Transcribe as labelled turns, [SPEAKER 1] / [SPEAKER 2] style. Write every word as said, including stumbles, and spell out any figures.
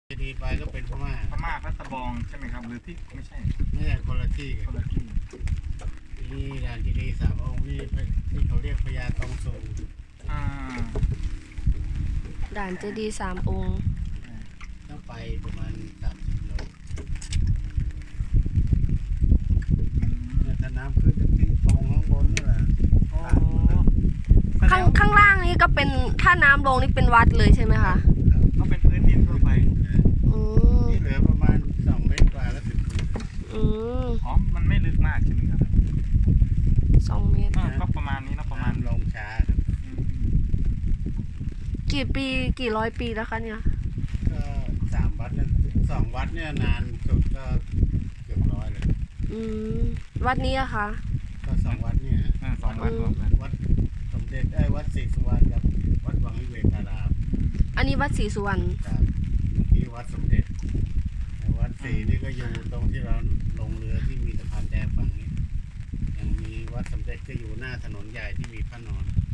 [SPEAKER 1] ดีไปก็เป็นพม่า
[SPEAKER 2] พม่าพัตบองใช่ไหมครับหรือที่ไม่ใช่
[SPEAKER 1] ไม่ใช่คนละที่กั
[SPEAKER 2] คน นละที่
[SPEAKER 1] นี่ด่านเจดีย์สามองค์นี่ที่เขาเรียกพญาตองสูง
[SPEAKER 2] อ่า
[SPEAKER 3] ด่านเจดีย์สามองค์
[SPEAKER 1] ต้องไปประมาณสามสิบโลเนี่ยถ้าน้ำขึ้นที่ตรงข้างบนนี่แหละ
[SPEAKER 2] โอ้
[SPEAKER 3] ข้างข้างล่างนี้ก็เป็นถ้าน้ำลงนี่เป็นวัดเลยใช่ไหมคะ
[SPEAKER 2] เขาเป็นพื้นดินทั่วไป
[SPEAKER 3] อืม
[SPEAKER 1] นี่เหลือประมาณสองเมตรกว่าแล้วถึงพื้น
[SPEAKER 3] อืม
[SPEAKER 2] อ๋อมันไม่ลึกมากใช่ไหมครับ
[SPEAKER 3] สองเมตร
[SPEAKER 2] ก็ประมาณนี้นะประมาณ
[SPEAKER 1] น้ำลงช้าครับ
[SPEAKER 3] กี่ปีกี่ร้อยปีแล้วคะเนี่ย
[SPEAKER 1] ก็สามวัดเนี่ยสองวัดเนี่ยนานสุดก็เกือบร้อยเลย
[SPEAKER 3] อืมวัดนี้อะคะ
[SPEAKER 1] ก็สองวัดเนี่ย
[SPEAKER 2] สองวัด
[SPEAKER 1] วัดสมเด็จไอ้วัดศรีสุวรรณกับวัดวังวิเวการาม
[SPEAKER 3] อันนี้วัดศรีสุวรรณ
[SPEAKER 1] ครับที่วัดสมเด็จวัดศรีนี่ก็อยู่ตรงที่เราลงเรือที่มีสะพานแดงฝั่งนี้ยังมีวัดสมเด็จก็อยู่หน้าถนนใหญ่ที่มีพระนอน